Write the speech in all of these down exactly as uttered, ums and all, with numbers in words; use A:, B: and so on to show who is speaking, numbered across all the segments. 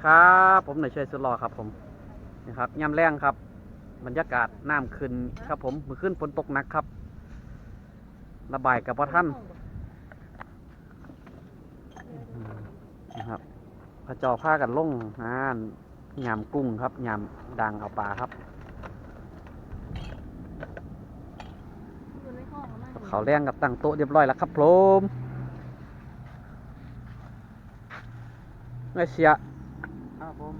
A: ครับผมนายชัยสุดหล่อครับผมนี่ครับย่ำแรงครับบรรยากาศน้ำขึ้นครับผมมือขึ้นฝนตกหนักครับระบายกับพ่อท่านนะครับพระเจ้าพากันลงอ่ายำกุ้งครับยำดังเอาปลาครับเขาแรงกับตั้งโต๊ะเรียบร้อยแล้วครับผมไม่เสีย
B: ครับผม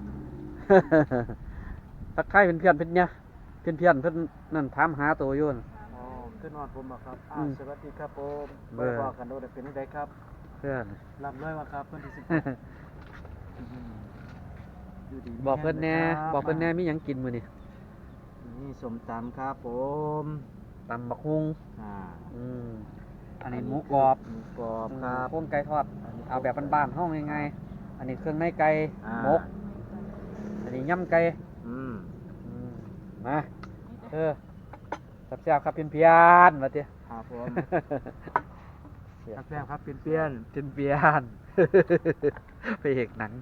A: ทักทายเป็นเพื่อนเป็นเนี่ยเพื่อนเพื่อนเพื่อนนั่นถามหาตัวอยู่นะ
B: อ๋อขึ้นนอนผมบ่ครับอ่า
A: อืม
B: สวัสดีครับผม
A: เบ
B: บ่
A: อร์
B: บอกกันโดดเป็นจังไดครับ
A: เพื่อน
B: ลำด้วยว่าครับเพิ่นที่สิบอืมอยู่ดีมี
A: บอกเพื่อนแน่
B: แรงะครับ
A: บอกเพื่อนแน่มีหยังกินมื้อนี่
B: นี่สมตำครับผม
A: ตำบักฮุง
B: อ่า
A: อืมอันนี้หมูกรอบ
B: หมูกรอบครับ
A: โค้งไก่ทอดเอาแบบบ้านๆห้องง่ายๆอันนี้เครื่องในไก่
B: อ่า
A: หมกอันนี้ย่ำไก่
B: อืม
A: อืมมาเออแซ่บๆครับเพี้ยนๆมาเตี้ย
B: ครับผม
A: เสีย
B: แซ่บๆครับเปลี่ยน
A: เพี้ยนเพี้ยนๆ ไปเอกหนัง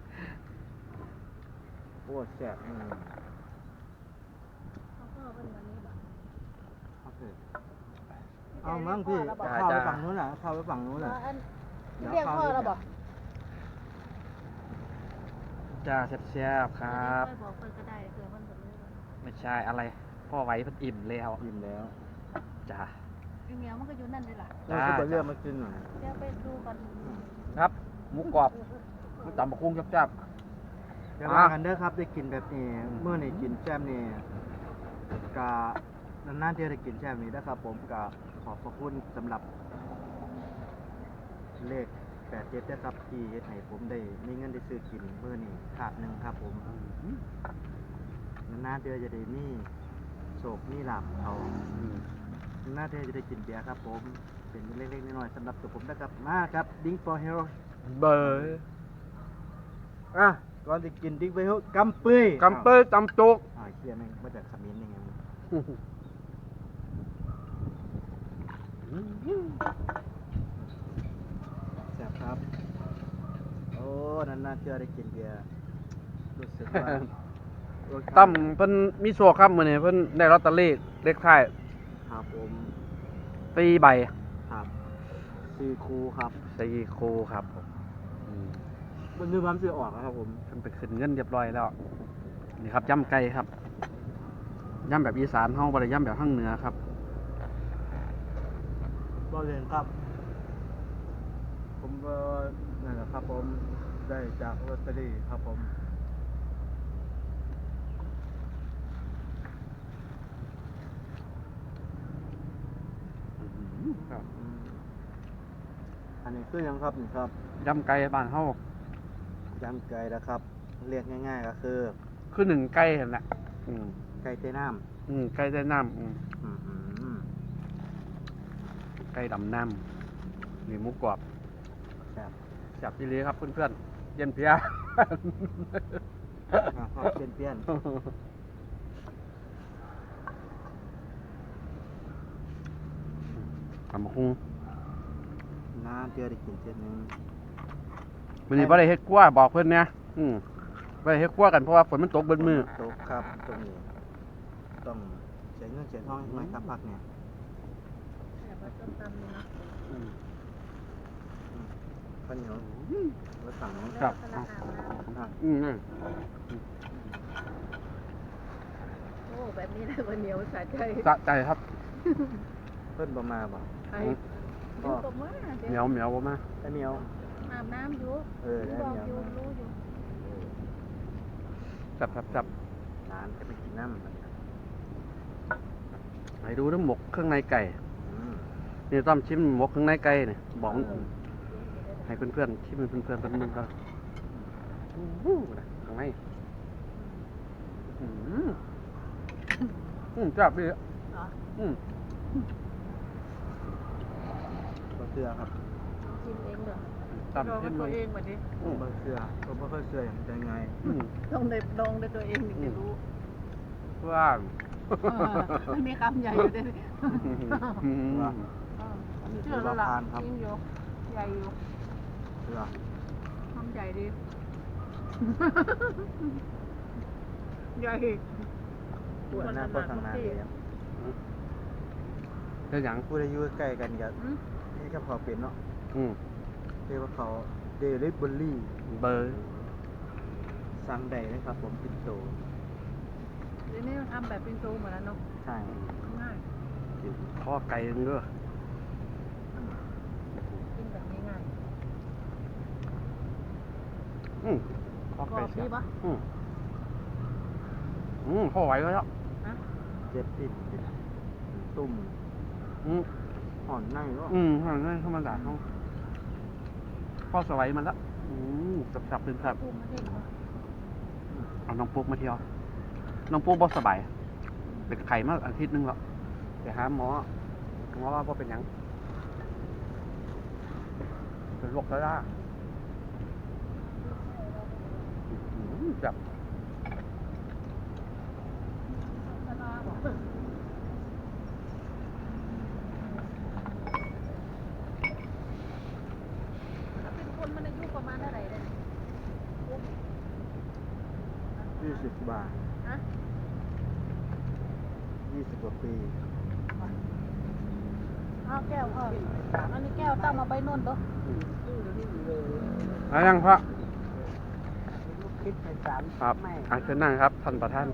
B: ๆโอ้แซ่บอืมโอเคเอามั้งพี่เอาเข้าไปฝั่งนู้นน่ะเข้าไปฝั่งนู้นน่ะ
C: เรียกพ่อเราบอก
A: จ้าแซ่บๆครับ
C: ค่อยบอกเพิ่นก็ได้เผื่อมันหมดเลย
A: ไม่ใช่อะไรพ่อไว้เพิ่นอิ่มแล้ว
B: อิ่มแล้ว
A: จ้า
C: อีเมียมันก็อยู่นั่นเลยล่ะ
B: เราจะไปเลือกมากินหน่อย
C: เดี๋ยวไปดูก่อน
A: ครับหมูกรอบหมูตำบักฮุงแซ่บ
B: เดี๋ยวว่ากันเด้อครับได้กินแบบนี้เมื่อนี่กินแจ่มนี่กะนานๆที่ได้กินแจ่มนี้นะครับ ผมกะขอบพระคุณสำหรับเลขแปดเจ็ดนะครับที่เฮ็ดให้ผมได้มีเงินได้ซื้อกินเมื่อนี่ขาดหนึ่งครับ ผมนานๆเดือจะได้มีโศกมีลาบเขา
A: ๆอืม
B: นานๆเดือจะได้กินเบียร์ครับ ผมเป็นเล็กๆน้อยๆสำหรับตัวผมนะครับมาครับดิ้งฟอร์เฮโร่
A: เบอร์
B: อ่ะก่อนจะกินดิ้งฟอร์เฮโร่กำปื้ย
A: กำเปิ้ลตำจุก
B: อ่าเคลียร์แม่งมาจากขมิ้นยังไงแซ่บครับ โอ้นานๆเจอได้กินเบียร์รู้สึกว่า
A: ตั้มเพิ่นมีโชคครับมื้อนี้เพิ่นได้ลอตเตอรี่เลขท้าย
B: ครับผม
A: สี่ใบ
B: ครับซีคูครับ
A: สี่คู่ครับผมอืม
B: มันนึกว่ามันจะออกนะครับผม
A: เพิ่นไปขึ้นเงินเรียบร้อยแล้วนี่ครับย่ำไก่ครับย่ำแบบอีสานเฮาบ่ได้ย่ำแบบทางเหนือครับ
B: บอลเลนครับ ผมก็นั่นแหละครับผมได้จากลอตเตอรี่ครับผมครับ อืมอันนี้คือยังครับนี่ครับ
A: ย่ำไก่บ้านเฮาย
B: ำไก่นะครับ เรียกง่ายๆก็คือ
A: คือหนึ่งไก่หั่นแหละอืม
B: ไก่เต้น้
A: อืมไก่ได้น้ำอืม
B: ำอืมอืม
A: ไก่ดำน้ำนี่หมูกรอบ
B: แซ่บ
A: แซ่บอีหลีครับเพื่อนๆเย็นเพีย
B: อ่ะครับเปลี่ยนเปลี่ยน
A: ตำบักฮุง
B: น้ำเจอได้กินเจ็ดหนึง
A: มื้อนี้บ่ได้เฮ็ดกลัวบอกเพิ่นเนี่ยอืมบ่ได้เฮ็ดกลัวกันเพราะว่าฝนมันตกเบิดมื้อ
B: ตกครับตรงนี้ต้องเสียเงินเสียทองหน่อยครับพักเนี่ย
C: แต่ว่าต้มตำเนี่ยนะ
A: อืม
B: ข้าวเหนียวแล้วสั่ง
A: ครับ
C: แล้วก็ราคา
B: อ่ะ
A: อืมนั่น
C: โอ้แบบนี้เลยวันเหนียวสะใจ
A: สะใจครับ
B: เพิ่นบ่มาบ่
C: ไอ้ดูตบมือ
A: เหนียวเหนียวบ่มา
B: ไอ้เหนียว
C: อาบน้ำอยู่
B: เออได้
C: บอก
B: เหนียว
C: อยู่
B: มา
C: รู้อยู่
A: จับจับจับ
B: ร้านจะไปกินน้ำ
A: ให้ดูน้ำหมกเครื่องในไก่
B: อืม
A: นี่ต้อมชิมหมกเครื่องในไก่นี่บอกให้เพื่อนๆชิมให้เพื่อนๆเพิ่นมึงก็อู้หูนะข้างในอืมอืมจับดิ
C: เหรอ
A: อืม
B: บ่เชื่อครับ
C: ชิมเองเหรอ
A: ตาม
C: ลอง
A: ชิ
C: ด้
A: ม
C: วย
A: มึง
C: ตัวเองมาดิ
B: บ่เชื่อผมบ่เคยเชื่ออย่างจะไง
A: อืม
C: ต้องได้ลองด้วยตัวเองถึงจะรู้
A: ว่าง
C: เออมันมีคำใหญ่อยู่ด้วยนี่
A: อืม
B: ว่า
C: เออ
B: อันนี้
C: เชื่
B: คือ อ
C: แล้ว
B: ว่า
C: ล่ะ
B: พานครับ
C: จริงอยู่ใหญ่อยู่
B: เชื่อ
C: คำใหญ่ดีใหญ่
B: พูดนั่นก็ทางนั้นเลยครับ
A: เรื่องหยัง
B: พูดอายุใกล้กันกับ
C: อืม
B: นี่ก็พอเป็นเนาะ
A: อืม
B: เรียกว่าเขาเดลิเวอรี่
A: เบอร์
B: สั่งได้นะครับผมปินโต
C: เดี๋ยวนี้ทำแบบเป็นโตหมดแล้วเนาะ
B: ใช่
C: ง่าย
A: ข้อไก่นึงเด้อ
C: กินแบบง่าย
A: อืมข้อ
C: ๆกร
A: ไก่
C: อบ
A: เสี
C: ดี
A: ยบ
C: ปะ
A: อืมอืมพอไหวแล้ว
C: ฮะ
B: เจ็บปิ่นเป็นตุ่ม
A: อืม
B: ห่อนในเนาะ
A: อืมทางนั้นเข้ามาด่าเขาพ่อสวัยมันละอืมสับๆเป็นสับ
C: ปูมาเด็กเนาะ
A: เอาน้องปุ๊กมาเที่ยว น้องปุ๊กบ่สบายเด็กไข่มาอาทิตย์หนึงแล้วไปหาหมอหมอว่าบ่เป็นหยังเป็นโรคกระด้าอืมแบบ
C: เป็นคนมันอายุประมาณเท่าไหร่เนี่ย
B: ยี่สิบบาท
C: ฮะ
B: ยี่สิบกว่าปี
C: อ้าวแก้วพ่ออันนี้แก้วตั้งมาใบนนท์ตัว
A: อะยังพระ
B: คิดไปสาม
A: ครับอาเชิญนั่งครับท่านประธาน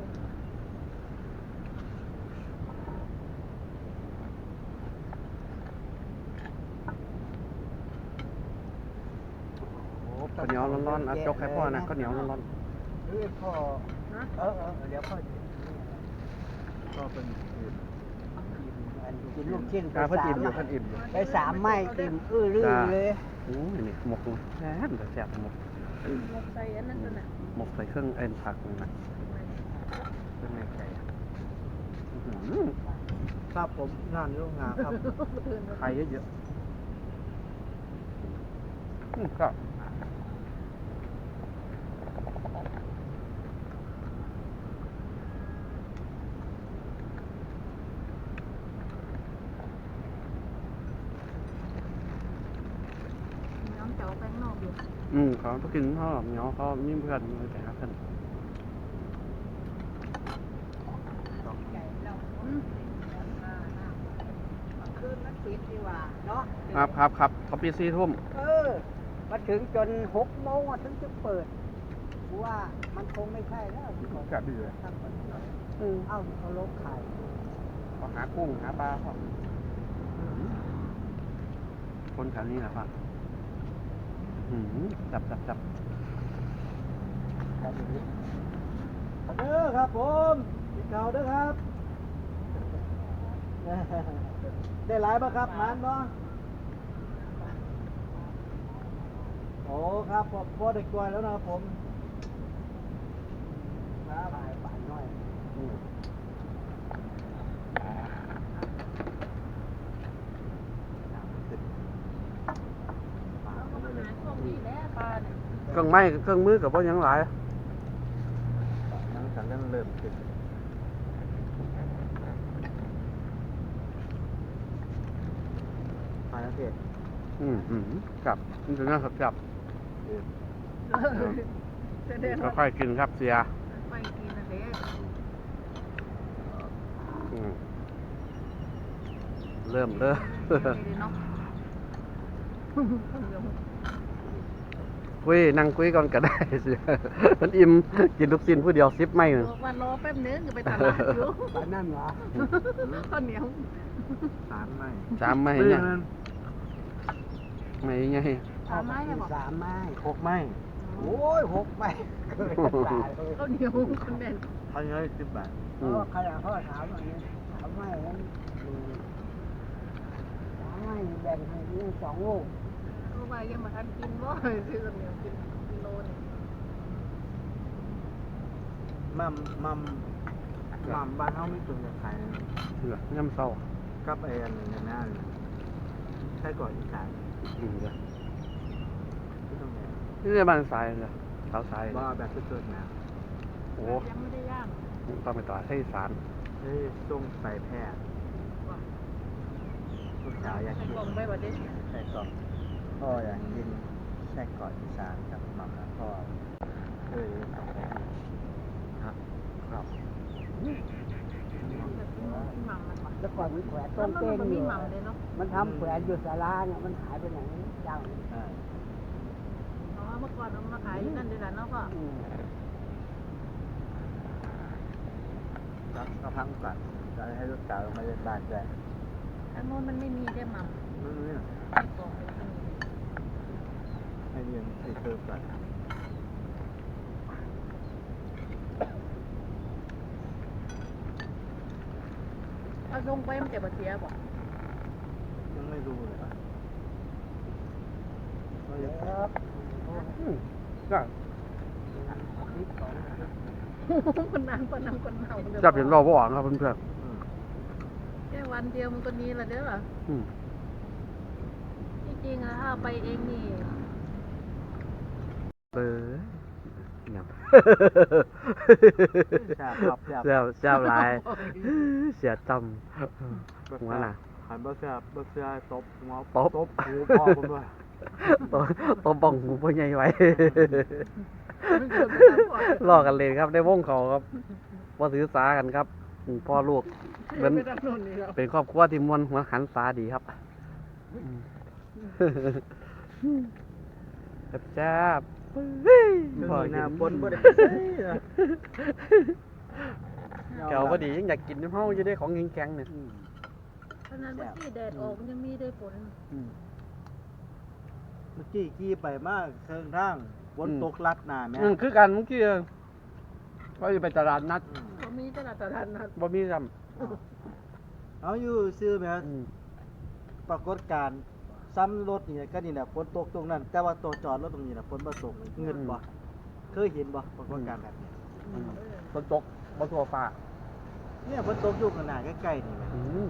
A: ข้าวเหนียวร้อนๆอ่ะจกให้พ่อนะข้าวเหนียวร้อน
B: เฮ้ยพ่อ
C: นะ
B: เออเออเดี๋ยวพ่อจะพ่อเป็นคืนกินลูกชิ้น
A: ๆ
B: ไป
A: กาเพิ่น
B: สา
A: อิ่
B: ม
A: มอยู่เพิ่นอิ่มอยู่
B: ไปสามไม้อิ่มอื้อรื่อ
A: จ้า
B: เลย
A: โอ้ยนี่หมกแซ่บแซ่บหมก
C: หมกใส่อันนั้นตัวน่ะ
A: หมกใส่เครื่องเอ็นผักนี่นะเครื่องในไก่อื้อหือ
B: ครับผมงานโรงงานครับ
A: ไข่เยอะๆอืมก็
C: น้องเจ้าแป้งนอกอยู่
A: อืมเขาต้องกินข้าวเหนียวเขามีเพื่อนเลยแต่หาเพื่อน
C: อืม
D: คืนมันปิดดีกว่าเนาะ
A: ครับครับครับเขาปีสี่ทุ่ม
D: เออ มาถึงจนหกโมงอะถึงจะเปิดกูว่ามันคงไม่ใช่แล้วที่บอก
A: กะดีเลย
D: ทำคนเดียวเอ้าเขาลบไข่
A: เขาหากุ้งหาปลาเขาคนแถวนี้แหละครับอืมจับจับจับ
B: เด้อครับผมกินข้าวเด้อครับ ได้หลายป่ะครับหมานบ่โอ้ครับผมพอได้กล้วยแล้วนะครับผมครับป่านน้อย
A: อืม
C: เราก็มาหาช่วงนี้แหละปลาเนี่ย
A: เครื่องไม้เครื่องมือกับพ่อยังหลาย
B: นั่งสันเริ่มเริ่มขึ้นมาแล้วเผ็ด
A: อืมอืมจับนี่ถึงนะครับจับ
C: แสดงว่า
A: ค่อยๆกินครับเสีย
C: ไปกินนะเด็ก
A: อืมเริ่มเริ่ม
C: ดีเนาะ
A: คุยนั่งคุยก่อนก็ได้เสียมันอิ่มกินลูกชิ้นผู้เดียวซิปไม่หนึ่ง
C: วันรอแป๊บนึงจะไปตลาดอยู่
D: ป่านนั่นเหรอ
C: ข้าวเหนียว
B: สามไม้
A: สามไม่เนี่ยไม่ไง
C: สามไม้เนี่ยบอก
D: สามไม้
B: หกไม้
D: โอ้ยหกไม้เกินจะตายเลย
C: ข้าวเหนียวคนแน่น
B: เขาเยอะสิบบาท
D: เพ
A: อื
D: ราะ
A: ม
D: ว่าใครอะเขาถามว่าเนี่ยสามไม้นั้นอืมสามไม้แบ่งให้เรื่องสองลูก
C: ก็ว่ายังมาทันกินบ่ซื้อข้าวเหนียวกินกิโลนึง
B: มัมมัมมัมบ้านเขาไม่ตุนจะขาย
A: เหลือน้ำเศร้า
B: กับไอ้อันนี้นะใช่ก่อนอีสาน
A: อืมเดี๋ยว
B: ที่ตรงไหน
A: นี่ในบ้านทรายเลยเท้าทราย
B: ว่าแบบสุดๆนะ
A: โอ้
C: ยังไม่ได้ย่าง
A: ต้องไปต่อให้สาร
B: เฮ้ยส่งใส่แพทย์
C: ว่ะ
B: ลูกสาวอยาก
C: ให้
B: กิน
C: กล่องไปว่าเด็ก
B: ใส่กรอกพ่ออยากกินใส่กรอกอีสานกับมัมนะพ่อเออครับครับ
C: แบบพี่หม่ำมันว่ะ
D: แล้วก่อนมันแขวน
C: แล้
D: ต้
C: วน มัน
D: เต้ง
C: มัน
D: อ
C: มี
D: ยู่
C: หม่ำเลยเนาะ
D: มันทำแขวนอยู่ศาลาเนี่ยมันหายไปไหนเจ้า
B: อ่า
C: อ๋อเมื่อก่อนเอามาขายอยู่นั่นด้วยกันเนาะพ่อ
D: อืม
B: ครับก็พังก่อนจะให้ลูกสาวมาเล่นบ้านด้วย
C: อันโน้นมันไม่มีได้หม่ำ
B: นู่นนี่
C: ในกล่องเลยมันมี
B: ให้เรียนให้เติมก่อน
C: เอาลงไปมันจะบาเสียบอก
B: ยังไม่รู้เลยว่าเราจะ
D: ครับ
A: อืมก็
C: คนนั้นคนนั้นคนเมา
A: จับเห็นเราบ่อ่อนครับเพื่อน
B: อืม
C: แค่วันเดียวมันก็นี้ละเด้อ
A: ๆอืม
C: ที่จริงอะถ้าเอาไปเองนี่
A: เออเนี่ย
B: แซ่บครับแซ่บ
A: เสียเสียหลาย เสียจำหัวน่ะ
B: หันบ่แซ่บบ่แซ่บตบหัว
A: ตบ
B: ตบหูพ่อผมด้วย
A: ตัวตัวบ้องหูพ่อใหญ่ไว้
C: มันเกิดไม่ได้ก่อน
A: ลอกกันเลยครับในวงเขาครับว่าถือสากันครับอืมพ่อลูกเป็น
C: ไม่ได้โน่นนี่แล้ว
A: เป็นครอบครัวที่มวลหัวหันสาดีครับแซ่บๆเฮ้ย
B: ช่วง
A: พ่อ
B: นี้
A: กิ
B: นะ
A: น
B: ฝนบ่ได้
A: แกวพอดียังอยากกินน้ำเฮาอยู่ได้ของแข็งๆเนี่ย
C: ขนาดเมื่อกี้แดดออกมันยังมีได้ฝน
A: อืม
B: เมื่อกี้ขี่ไปมากเชิงทางฝนตกลัดหน้าแม่
A: อืมคือกันเมื่อกี้ก็อยู่ไปตลาดนัด
B: อืม
C: เขามีตลาดตลาดนัด
A: บ่มีจ
B: เอาอยู่ซื้อแม่
A: ำอืม
B: ปรากฏการณ์ซ้ำรถนี่ก็นี่แหละฝนตกตรงนั้น แต่ว่าตัวจอดรถตรงนี้น่ะฝนบ่ตกเงินบ่เคยเห็นบ่ปรากฏการณ์แบบนี้
A: อืมฝนตกบ่ทั่วฟ้า
B: เนี่ยฝนตกอยู่ข้างหน้าใกล้ๆนี่แหละ
A: อืม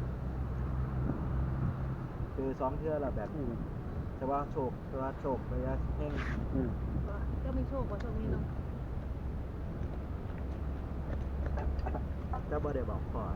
B: เจอสองเทื่อแล้วแบบ
A: อื
B: นี้
A: ม
B: แต่ว่าโชคแต่ว่าโชคระยะแห้ง
A: อืม
C: ก็มีโชคกว่าช่วงนี้เนาะ
B: จะบ่ได้บอกพ่อ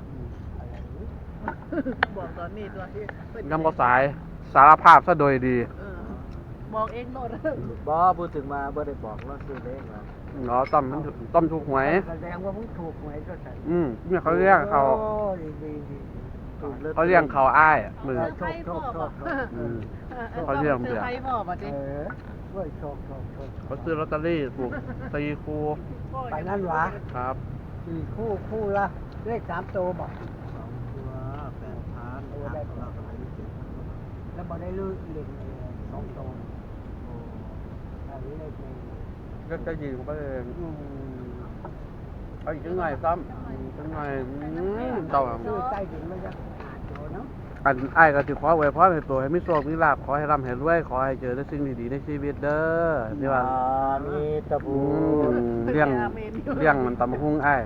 C: บอกตอนนี้ตัวที่เพิ่น
A: ยำบ่สายสารภาพซะโดยดี
C: เออบอกเองโลด
B: บ่พูดถึงมาบ่ได้บอกว่าซื้อเลขนะ
A: เนาะต้อมมันต้อมถูกหวย
D: แสดงว่ามึงถูกหวยก็ใส่
A: อืมเนี่ยเขาเรียกเขา
D: โอ้ดีดีดี
B: ถูกลอตตอ
A: เขาเรียกเขาอ้ายอะมือ
C: เซอร์ไพรส์พ่อบอก
A: อืม
C: เออ
A: เขาเรียก
C: เซอร์ไพรส์พ่อบอกดิ
D: เออเว้ยโชคโชคโชค
A: เขาซื้อลอตเตอรี่ถูกตีคู
D: ไปนั่นหวะ
A: ครับ
D: สี่คู่คู่ละเลขสามตัวบอก
B: สองตัวแปดพันครับเราก็ไม่ได้เก็บ
D: แล้วบอกได้ลือเล่นสองตัว
B: โอ้
D: อันนี้เลขหนึ่ง
A: ก็จะยิงไปเอง
D: อืม
A: เอาอีกจังหน่อยซ้ำอืมจังหน่อยอืมเต่า
D: ซื้อใต้ดินมันจะหาโจเนาะ
A: อันอ้ายก็สิขอไว้พรให้ตัวให้มีโชคมีลาภขอให้ร่ำให้รวยขอให้เจอแต่สิ่งดีๆในชีวิตเด้อที่ว่า
B: มีตะ
A: อื
B: บู
A: มเลี้ยงเลี้ยงมันตำบักหุ่งอ้าย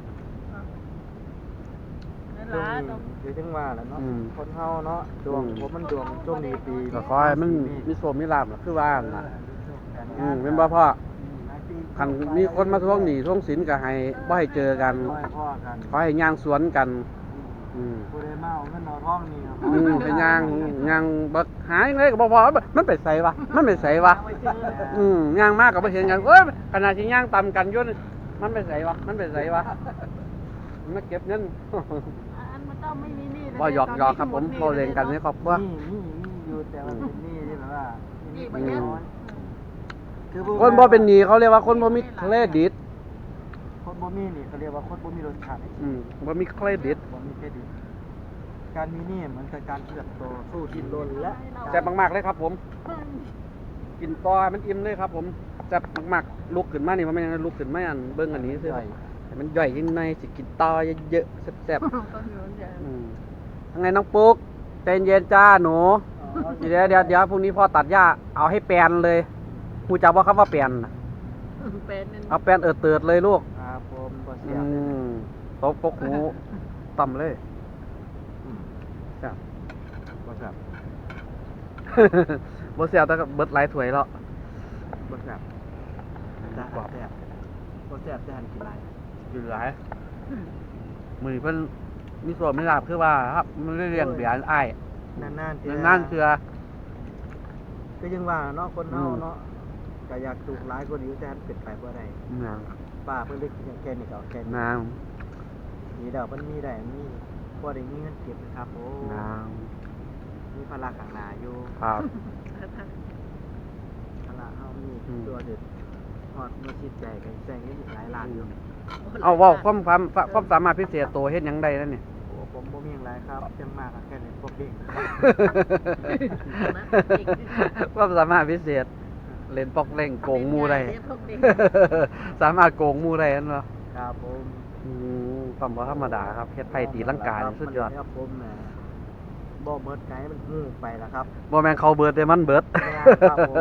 C: นั่น
B: ช่ว
C: ล่ะ
B: ง
C: ต้อง
B: นี้เดี๋ยวจังว่าแหล้วเนาะ
A: อืม
B: คนเฮาเนาะดวงผมมันดวงช่วงนี้ปี
A: ก็ขอให้มันมีโชคมีลาภล่ะคือว่านั่นล่ะ
B: การ
A: อื
B: งาน
A: มเป็นบ่พ่อ
D: อืมหาที่
A: คันมีคนมาทวงหนี้ทวงสินก็ให้บ่ให้เจอกัน
B: ขอให้พ่อกัน
A: ขอให้ย่างสวนกัน อืม
B: ผู้ใดมาเอาเงินเอาทองนี่ครับ
A: อืมไปย่างย่างบักหายเลยก็บ่พอมันไปไสวะมันไปไสวะ
C: เอาไว้เจอ
A: อืมย่างมากก็บ่เห็นกันเอ้ยขณะที่ย่างตำกันอยู่นี่มันไปไสวะมันไปไสวะมันมาเก็บเงิน
C: อันมันต้องไม่มีหนี่
A: บ่หยอกหยอกครับผมบ่เล่นกันในครอบครัว
B: นี่นี่นี่อยู่แต่ว่าเป็นหนี่ที่แบบว่า
C: นี่
B: นี่
C: บ่
B: ไม่
C: เยอะ
B: น้อยคือ
A: คนบ่เป็นหนี้เขาเรียกว่าคนบ่มีเครดิต
B: คนบ่มีนี่เขาเรียกว่าคนบ่มีรสชาติ
A: อืมบ่มีเครดิต
B: บ่มีเครดิตการมีหนี่มันคือการเติบโตสู้ดิ้นรนและ
A: แซ่บมากๆเลยครับผม กินต่อให้มันอิ่มเลยครับผมแซ่บมากๆลุกขึ้นมานี่มันไม่ยังลุกขึ้นมาอันเบิ่งอันนี้ซื่อให้มันย่อยยิ่งในสิกินต่อเยอะๆแซ่บ
C: ต้องอยู่อย่าง
A: ๆอืมยังไงน้องปุ๊กใจเย็นจ้าหนูเดี๋ยวเดี๋ยวเดี๋ยวพรุ่งนี้พ่อตัดหญ้าเอาให้แปลนเลยฮู้จักบ่ครับว่าแปลนน่ะ
C: เป็นนั่น
A: เอาแปลนเอิดเติดเลยลูก
B: ครับผมบ่เสี
A: อื
B: ยเลย
A: มตบปกหูต่ำเลย
B: อืม
A: แซ่บ
B: บ่ครับ
A: บ่เสียแต่ก็เบิดหลายถ้วยแล้ว
B: บ่ครับแต่แซ่บบ่แซ่บแต่หันกินหลาย
A: อยู่หลายมื้อนี้เพิ่นมีส่วนมีลาภคือว่าครับมันได้เลี้ยงเบียร์อ้าย
B: นานๆเทื่อ
A: นานๆเทื่อ
B: ก็ยังว่าเนาะคนเฮาเนาะใจก็อยากถูกหลายคนอยู่แต่มันเป็นไปบ่ได้
A: นาง
B: ป้าเพิ่นเล็กแค่นี้ก็เอาแค่นี้
A: นาง
B: นี่ดอกมันมีได้มีพอได้มีเงินเก็บนะครับโอ้
A: นาง
B: มีภาระข้างหน้าอยู่
A: ครับ
B: ภาระเฮามี
A: อืม
B: ตัวเด็ดฮอดเมื่อคิดใจก็แซงเงินอีกหลายล้านอยู่
A: เอาเว้าความความความสามารถพิเศษตัวเฮ็ดหยังได้นั่นนี่
B: โอ้ผมบ่มีหยังหลายครับจังมากก็แค่นี้พวกเด็ก
A: ความสามารถพิเศษเล่นปอกเล่งโกงหมู่ได้
C: พวกเด็ก
A: สามารถโกงหมู่ได้นั่นบ่
B: ครับผม
A: อืมความบ่ธรรมดาครับเฮ็ดไผตีลังกานี่สุดยอด
B: ครับผมน่ะบ่เบิดไกมันฮู้ไปแล้วครับ
A: บ่แม่นเขาเบิดแต่มันเบิด
B: ไม่ได้ครับผม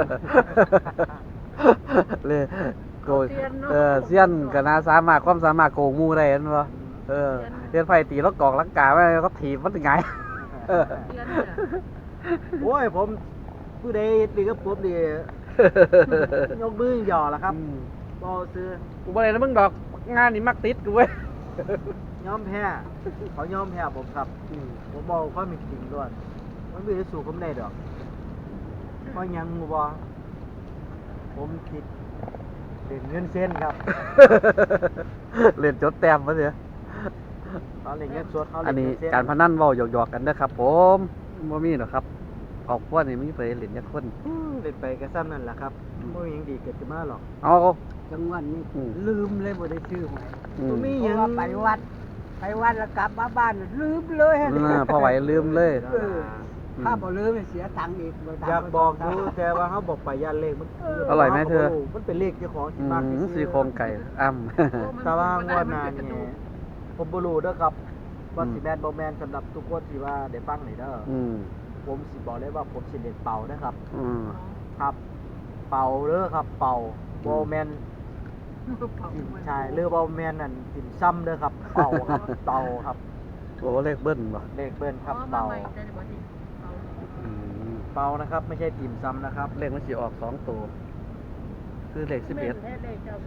A: เลยโกยเออเซียนก็น่าสามารถความสามารถโกงหมู่ได้นั่นบ่เออเฮ็ดไผตีแล้วกอกลังกาไว้ก็ถีบมันไงเออ
C: เดือนเนี่ย
B: โอ้ยผมผู้ใดดีกับผมดียกมือหย่อแล้วครับ
A: อืม
B: บ่ซื้อ
A: กูบ่ได้นะมึงดอกงานนี่มักติดกูเว้ย
B: ยอมแพ้เขายอมแพ้ผมครับ
A: อืม
B: ผมบอกความเป็นจริงด้วยมันไม่ได้สู้ผมได้ดอกเพราะหยังงูบอผมคิดเล่นเงินเส้นครับ
A: เล่นจดแต้มมาเถอะ
B: เขาเล่นเงินสดเขา
A: อั
B: เล่
A: น
B: น
A: นี้
B: เงินเส้น
A: การพนันเว้าหยอกๆกันเด้อครับ ผมบ่มีหรอกครับครอบครัวนี่มีไปเล่นจักคน
B: อืมเล่นไปก็ซ้ำนั่นแหละครับ
A: อืม
B: ไม่มีหยังดีเกิดขึ้นมาหรอก
A: เอา
D: จังหวัดนี้
A: อืม
D: ลืมเลยบ่ได้ชื่อใหม่
A: อืม
B: บ่มี
D: เพ
B: หยั
D: ราะ
B: ง
D: ว่าไปวัด ไปวัดแล้วกลับมาบ้านลืมเลยฮะ
A: อ่าพอไหวลืมเลย
D: เออถ้าบ่ลืมเสียตังค์อีกบ่ตังค์
B: อยากบอกดูแต่ว่าเขาบอกไปย่านเลขมัน
A: อร่อยไหมเธอ
B: มันเป็นเลขเจ้าของที่
A: อื
B: มากที่
A: ม
B: สุด
A: ซี่โครงไก่อ้ำ
B: แต่ว่างวดหน้านี่ผมบ่รู้เด้อครับว่า
A: อืม
B: สิแม่นบ่แม่นสำหรับทุกคนที่ว่าได้ฟังนี่เด้ออ
A: อืม
B: ผมสิบอกเลยว่าผมสิเล่นเป่านะครับ
A: อืม
B: ครับ เป่าเด้อครับ เป่าบ่แม่นใช่หรือบ่แม่นนั่นติ่มซ้ำเด้อครับ เป่าครับ เป่าครับ
A: โอ้เลขเบิ้ลบ่
B: เลขเบิ้นครับ
C: อ๋อมา
B: เป่า
C: ใหม่แต่บ่ได้เอา
A: อืม
B: เป่านะครับ ไม่ใช่ติ่มซ้ำนะครับ
A: เลขมันสิออกสองตัวคือเลขสิบเอ็ด
C: แม่นแท้เลยเจ้า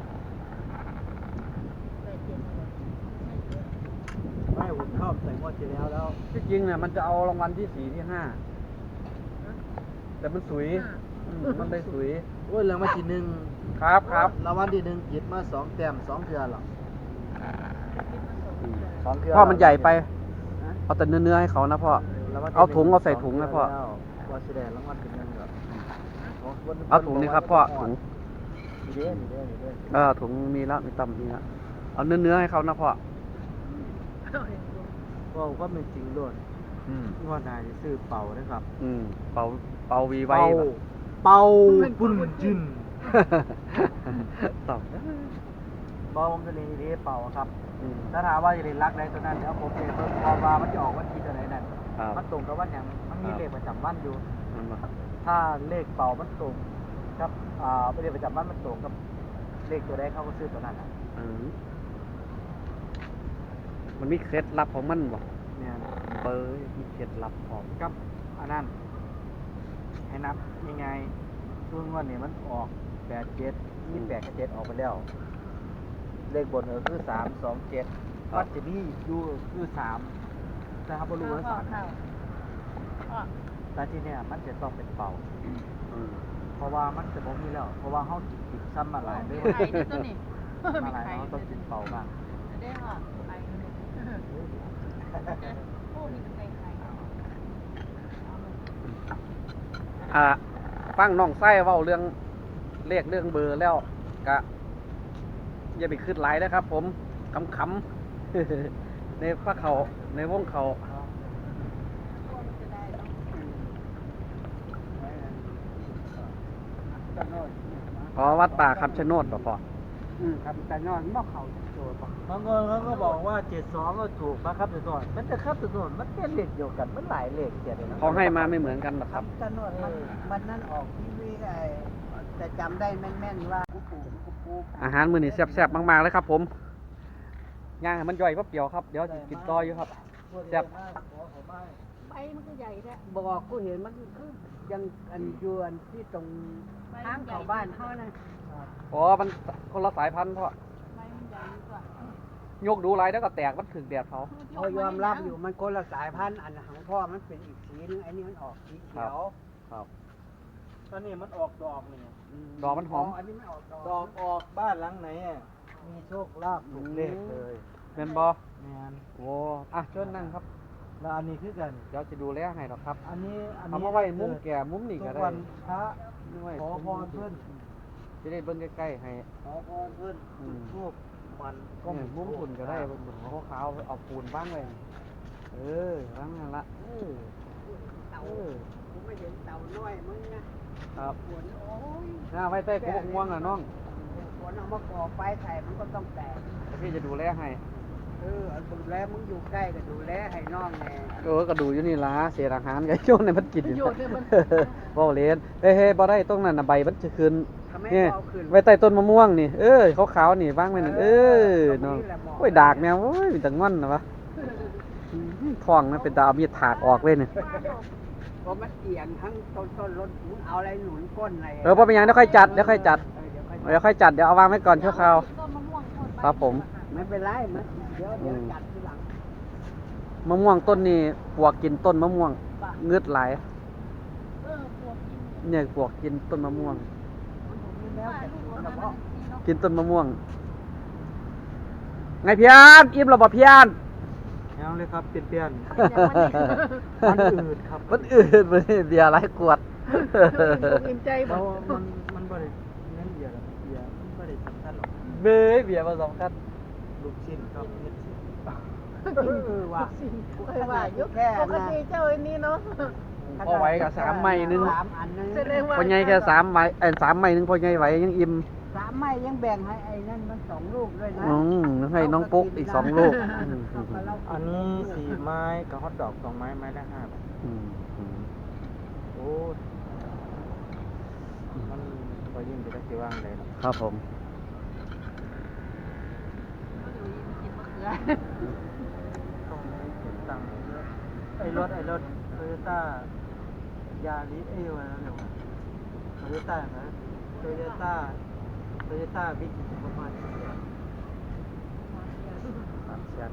C: ไปเจ็บเลยไม่เจ็บ
B: ไม่ผมชอบใส่งวดที่แล้วแล้ว
A: ที่จริงเนี่ยมันจะเอารางวัลที่สี่ที่ห้าแต่มันสวยอืมมันได้สวย
B: โอ้ยรางวัลที่หนึ่ง
A: ครับครับ
B: รางวัลที่หนึ่งหยิบมาสองแต้มสองเทื่อหรอก
A: อืม
B: สองเทื่อ
A: พ่อมันใหญ่ไป
B: ฮะ
A: เอาแต่เนื้อๆให้เขานะพ่อ
B: รางวัลที่
A: เอาถุง
B: ห
A: เอาใส่ถุงนะพ่อ
B: แล้วว่าสิได้รางวัลที่หนึ่งเหรอ
A: เอาถุงนี่ครับพ่อถุง
B: นี่เด้นี่เด้นี่เด้
A: เออถุงมีแล้วมีตำมีแล้วเอาเนื้อๆให้เขานะพ่อ
B: ว่าความเป็นจริงด้วย
A: อืม
B: งวดหน้าจะซื้อเป่านะครับ
A: อืมเป่าเป่าวีไว้
B: เป่า
A: แบบ
B: เป่าปุ้นจิน
A: ตอบ
B: เป่าผมจะเรียนดีเป่าครับ
A: อืม
B: ถ้าถามว่าจะเรียนรักใดตัวนั้นเดี๋ยวผมเรียนเพิ่มพอว่ามันจะออกวันที่ตัวไหนนั่น
A: ครับ
B: มันตรงกับวันอย่างมันมี
A: ครับ
B: เลขประจำวันอยู่
A: มันมา
B: ถ้าเลขเป่ามันตรงครับอ่าเลขประจำวันมันตรงกับเลขตัวใดเขาก็ซื้อตัวนั้นน่ะ
A: อืมมันมีเคล็ดลับของมันบ่
B: เนี่ย
A: เป้ยมีเคล็ดลับของ
B: กับอันนั้นให้นับยังไงช่วงวันนี้มันออกแปดเจ็ดยี่แปดกับเจ็ดออกไปแล้ว เลขบนเออคือสามสองเจ็ดวัดจะมีอยู่คือสามนะครับบรู้ว่าสาม
C: ข้าวข้าว
B: แต่ที่เนี่ยมันจะต้องเป็นเป่า
A: อืม
B: เพราะว่ามันจะบ่มีแล้ว เพราะว่าเขาติดซ้ำมาหลายเลย
C: ไข่ด้วยตัวนี้
B: มา
C: มี
B: หลาย
C: ไข่
B: เขาต้องกินเป่าบ้าง
C: ได้ค่ะไข่โอ้มีแต่ไข่
A: อ่าฟังน้องไส้เว้าเรื่องเลขเรื่องเบอร์แล้วกะอย่าไปขึ้นหลายนะครับ ผมขำๆ ในพระเขาในวงเขาอ๋อวัดป่าคำชะโนดป่ะพ่อ
D: อืมครับแต่นอนบ่เข้าโจทย์บ่
B: บางคนเขาก็บอกว่าเจ็ดสองก็ถูกนะครับแต่ส่วนมันจะครับแต่ส่วนมันเป็นเลขเดียวกันมันหลายเลขเจ็ดเลยนะ
A: เขาให้มาไม่เหมือนกันหรอก
D: ค
A: ค
D: รั
A: รั
D: บบ แต่นอนมันมันนั้นออกทีวีไอ้แต่จำได้แม่นๆว่ากูปู่กูปู่
A: อาหารมื้อนี้แซ่บๆมากๆเลยครับ ผมย่างให้มันย่อยแป๊บเดียวครับเดี๋ยวสิกินต่ออยู่ครับ แซ่บ
C: ใบมันก็ใหญ่แท้
D: บอกกูเห็นมันคือยังอันยวนที่ตรงทางเข้าบ้านเฮานะ
A: อ๋อมันคนละสายพันธุ์พ่อ
C: ใบมันใหญ่กว่า
A: โยกดูไรแล้วก็แตกมันถึงแดดเขา
D: เขายอมรับอยู่มันคนละสายพันธุ์อันของพ่อมันเป็นอีกสีนึงไอ้นี่มันออกสีเขียว
A: ครับ
B: ตอนนี้มันออกดอกนี่
A: ดอกมันหอม
D: อันนี้ไม่ออกดอก
B: ดอกออกบ้านหลังไหนอะมีโชคลาภถูกเลขเลย
A: เป็นบ่
B: แมน
A: โอ้อ่ะเชิญนั่งครับ
B: แล้วอันนี้คือกัน
A: เดี๋ยวจะดูแลให้หรอกครับ
B: อันนี้อันนี้
A: เอามาไว้มุมแก่มุมนี่
B: ทุ
A: ก็
B: ก
A: ได้
B: วันพระ
A: นี่ไว้
B: ขอพรเพื่อน
A: จะได้เบิ่งใกล้ๆให้
B: ขอพรเพื่อน
A: อืม
B: ทูบมัน
A: ก็มุมอุ่นก็ได้บนบนหัวขาวๆเอาปูนบ้างไว้เออบ้างนั่นละเออ
D: เต่า
A: เออ
D: กูไม่เห็นเต่าน้อยมึงนะครับ ฝนโอ้ย
A: หน้าไว้ใต้กบม่วงอ่ะน้อง
D: ฝนเอามาก่อไฟใส่มันก็ต้องแตก
A: แต่พี่จะดูแลให้
D: เออเอาดูแลมึงอยู่ใกล้ก็ดูแลให้น้องแน่
A: เออก็ดูอยู่นี่ล่ะเศษอาหารไก่โยนในมันกินอยู่
C: โยนเนี่ยมัน
A: บ่เล่นเฮ้ยเฮ้ยบ่ได้ตรงนั้นน่ะใบมันจะขึ้น
D: ทำไม
A: นี่
D: เอาขึ้น
A: ไว้ใต้ต้นมะม่วงนี่เออขาวๆนี่วางไว้นั่นเออน้องโอ้ยดากแมวโอ้ยเป็นตะง่อนนะวะท้องนะเป็นตาเอามีดถากออกเลยนี่
D: เพราะมันเอียงทั้งต้นต้นรถมึงเอาอะไรหนุนก้นอะไร
A: เออบ่เป็นหยังเดี๋ยวค่อยจัดเดี๋ยวค่อยจัด
D: เออเดี๋ยวค่อย
A: เดี๋ยวค่อยจัดเดี๋ยวเอาวางไว้ก่อนชั่วคราวครับผม
D: ไม่เป็นไรมันเดี๋ยวเดี๋ยวจัดทีหลัง
A: มะม่วงต้นนี้ปวกกินต้นมะม่วงเงือดไหลายเนี่ยปวกกินต้นมะม่วง
D: แล้วแต่เฉพาะ
A: กินต้นมะม่วง ไงพี่อันอิ่มแล้วบ่พี่อัน
B: เอาเลยครับเปลี่ยนเปลี่ยน
C: มั
B: มัน
C: น
B: อืดครับ
A: มันอืดมันเบียร์หลายขวด
C: อิ่มใจบ่
B: แล้วมันมันบ่ได้เน้นเบียร์หรอกเบียร์มันบ่ได้สำคัญหรอก
A: เบ้ยเบียร์มาสองคัน
B: ลูกชิ้นครับเม็ดชิ้น
D: เออว่ะ
C: เคยว่ายุคปกติเจ้าอันนี้เนาะ
A: พอไหวกับสามไม้หนึง
D: สามอันนึง
C: แสดงว่า
A: พอใหญ่แค่สามไม้เอ้ยสามไม้หนึงพอใหญ่ไหวยังอิ่ม
D: สามไม้ยังแบ่งให้ไอ้นั่นมันสองลูกด้วยนะ
A: อืมให้น้องปุ๊กอีกสองลูกอืม
D: เอากับเรา
B: อันนี้สี่ไม้กับฮอทดอกสองไม้ไม้ละห้าบาท
A: อืมอืม
B: โอ้มันพอยิ่งจะได้สิว่างเลยเนาะ
A: ครับผม
B: ต้องติดตั้งไอ้รถไอ้รถโตโยต้ายาริสเอ้ยว่าอะไรวะโตโยต้านะโตโยต้าโตโยต้าบิ๊กประมาณนี้
A: สามแสน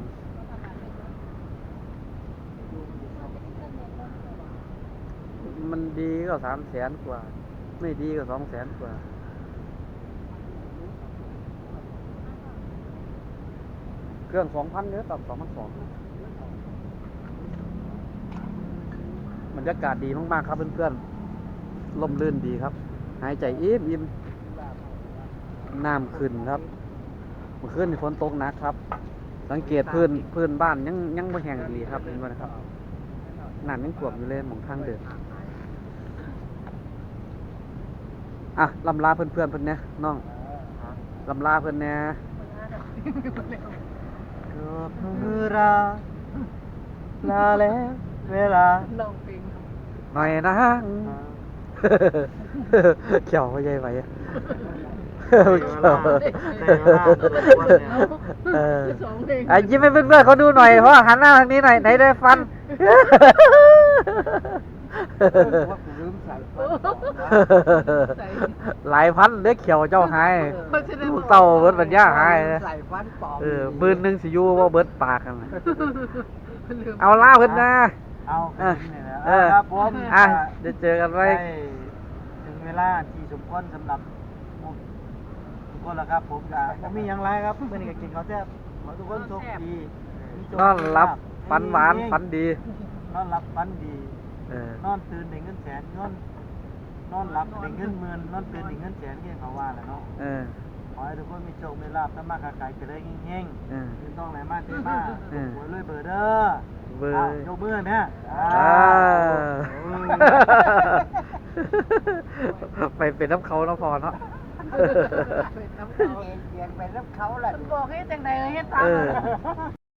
A: มันดีก็สามแสนกว่า ไม่ดีก็สองแสนกว่า เครื่องสองพันเนื้อตับสองพันสองบรรยากาศดีมากๆครับเพื่อนๆลมลื่นดีครับ หายใจอิ่มอิ่มน้ำขึ้นครับเมื่อคืนนี่ฝนตกหนักครับ สังเกตพื้นพื้นบ้านยังยังไม่แห้งดีครับเห็นไหมนะครับน้ำยังท่วมอยู่เลยหมองทางเดินอ่ะลำลาเพื่อนเพื่อนๆเพื่อนเนี่ยน้องลำลาเพื่อนเนี่ย
B: เกือบมือราลาแล้วเวลา
C: ลองเพลง
A: หน่อยนะ เขียวไม่ใช่ไหมอะเขียว เออ
C: สองเพลง
A: อ่ะยิ้มให้เพื่อนๆเขาดูหน่อยเพราะว่าหันหน้าทางนี้หน่อยไหนได้ฟัน
D: ว่ากูลืมใส่ฟันต่อนะ
C: ใส่
A: หลายพันเล็กเขียวเจ้าหาย
C: เพราะฉะนั้น
A: ลูกเต่าเบิดปัญญาหายนะ
D: ใส่ฟันปลอม
A: เออบืนหนึ่งสิอยูว่าเบิดปากกันน่ะ
C: ลืม
A: เอาล่าเพิ่นนะ
B: เอา
A: เออ
B: นี่แหละ
A: เออ
B: ครับผม
A: อ่ะเดี๋ยวเจอกันไว้
B: ได้ถึงเวลาที่สมควรสำหรับผมทุกคนแล้วครับ ผมก็บ่มีหยังไรครับเมื่อนี้ก็กินข้าวแซ่บขอทุกคนโชคดีมีโชคน
A: อนรับ
B: มีลาภ
A: ฝันหวานฝันดี
B: นอนรับฝันดี
A: เออ
B: นอนตื่นได้เงินแสนนอนนอนหลับได้เงินหมื่นนอนตื่นได้เงินแสนที่เขาว่าแหละเนาะ
A: เออ
B: ขอให้ทุกคนมีโชคมีลาภทำมาค้าขายเจริญเฮง
A: เออ
B: ๆคือต้องไหนมาเทมา
A: เออ
B: หวยรวยเบอร์เด้อ
A: เบอร์
B: อ้าวยกมือเนี่ย
A: อ่า
B: โอ้ย
A: ไปเป็นน้ำเขาเนาะพอเนาะ
C: เป็นน้ำเขา
D: เปลี่ยนไปแล้วเขาแหละ
C: บอกให้จังใดเฮ็ดตาม
A: เออ